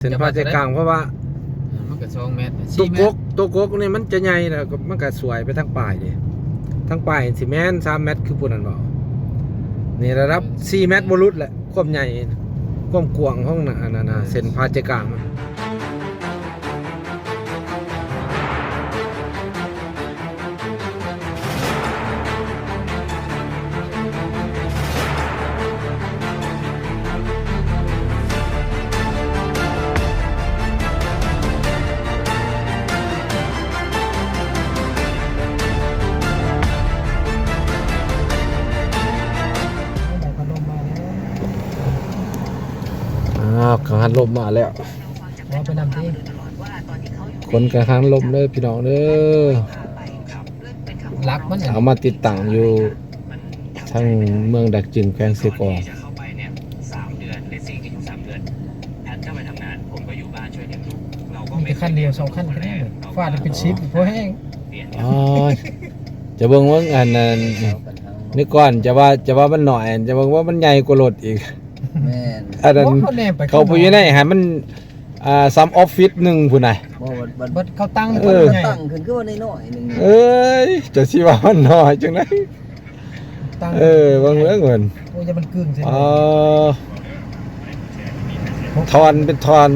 เส้นผ่าใจกลางเพราะว่ามันก็2 เมตรตัวกกนี่มันจะใหญ่แล้วมันก็สวยไปทั้งปลายดิทั้งปลายสิแม่น3 เมตรคือปุ่นนั่นบ่นี่ระดับ4 เมตรบ่รุดแหละความใหญ่ความกว้างของน่ะนั่นเส้นผ่าใจกลางมันกังหันลมมาแล้วไปนำที่คนกังหันลมเด้อพี่น้องเด้อรักมันเอามาติดตั้งอยู่ทั้งเมืองดักจึงแขวงเสกอ 3 เดือนเลสซิ่งก็อยู่3 เดือนแพทก็ไปทำงานผมก็อยู่บ้านช่วยเลี้ยงลูกเราก็มีขั้นเดียว2 ขั้นแค่นี้ฟาดเป็นชิปเพราะแห้งอ๋อจะเบิ่งว่าอันนั้นนี่ก่อนจะว่ามันหน่อยจะเบิ่งว่ามันใหญ่กว่ารถอีกแม่นอันนั้นเขาพูดอยู่ในหันมันซ้ำออฟฟิศ1พุ่นน่ะบ่เขาตั้งขึ้นคือว่าน้อยๆนึงเอ้ยจะสิว่ามันน้อยจังได๋บางเรื่องเหมือนโอ้ยจะมันกึ่งใช่ทอนเป็นทอน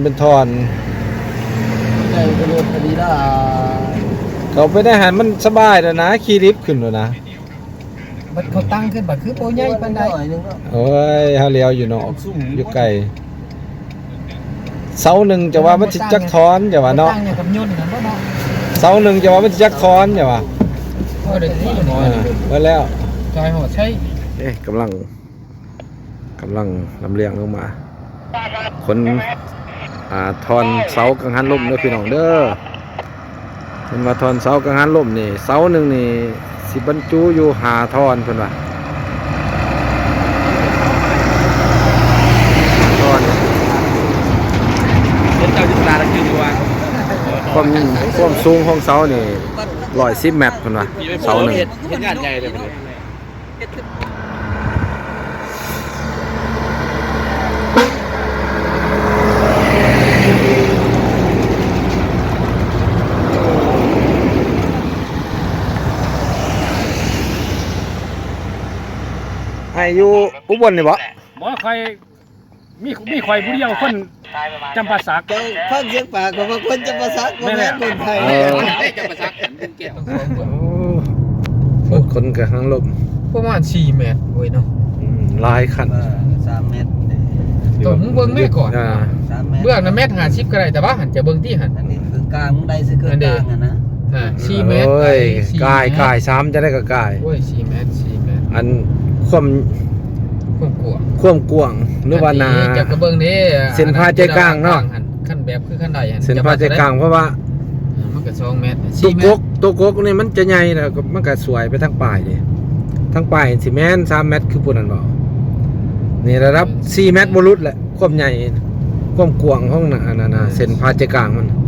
ได้กระโดดพอดีล่ะเขาไปได้หันมันสบายแล้วนะขี่ลิฟต์ขึ้นแล้วนะบัดเขาตั้งขึ้นบัดคือโปใหญ่ปานใดโอ้ยเฮาเลี้ยวอยู่เนาะอยู่ไกลเสาหนึ่งจะว่ามันสิจักทอนจะว่าเนาะตั้งอย่างกับยนต์นั่นบ่เนาะเสาหนึ่งจะว่ามันสิจักทอนจะว่าได้ที่น้อยไว้แล้วจอยหอดใช่กำลังลำเลียงลงมาคนทอนเสากังหันลมเด้อพี่น้องเด้อเพิ่นว่าทอนเสากังหันลมนี่เสาหนึ่งนี่สิบรรจุอยู่5 ทอนเพิ่นว่าทอนเป็นเจ้าจิตราคืออยู่ว่าความสูงของเสานี่110 เมตรเพิ่นว่าเสาหนึ่งเฮ็ดงานใหญ่เลยเพิ่นอยู่อุบลนี่บ่ค่อยมีข่อยผู้เดียวคนจำปาสักเจ้าฟังเสียงปากของคนจำปาสักบ่แม่นคนไทยจำปาสักเป็นเกียรติคนกับทางลมประมาณ4 เมตรโอ้ยเนาะหลายคัน 3 เมตรตัวมึงเบิ่งแม่ก่อนเบื้องน่ะเมตร50ก็ได้แต่ว่าหันจะเบิ่งที่หันอันนี้คือกลางมึงได้ซื้อกลางนะ 4 เมตรโอ้ยกาย3จะได้ก็กายโอ้ย4 เมตรอันความกว้างหรือว่านาจะกระเบิ่งนี่เส้นผ่าใจกลางเนาะขั้นแบบคือขั้นใดเส้นผ่าใจกลางเพราะว่ามันก็2 เมตรตัวกกนี่มันจะใหญ่แล้วมันก็สวยไปทั้งปลายดิทั้งปลายสิแม่น3 เมตรคือปุ่นนั่นบ่นี่ระดับ4 เมตรบ่รุดแหละความใหญ่ความกว้างของน่ะเส้นผ่าใจกลางมัน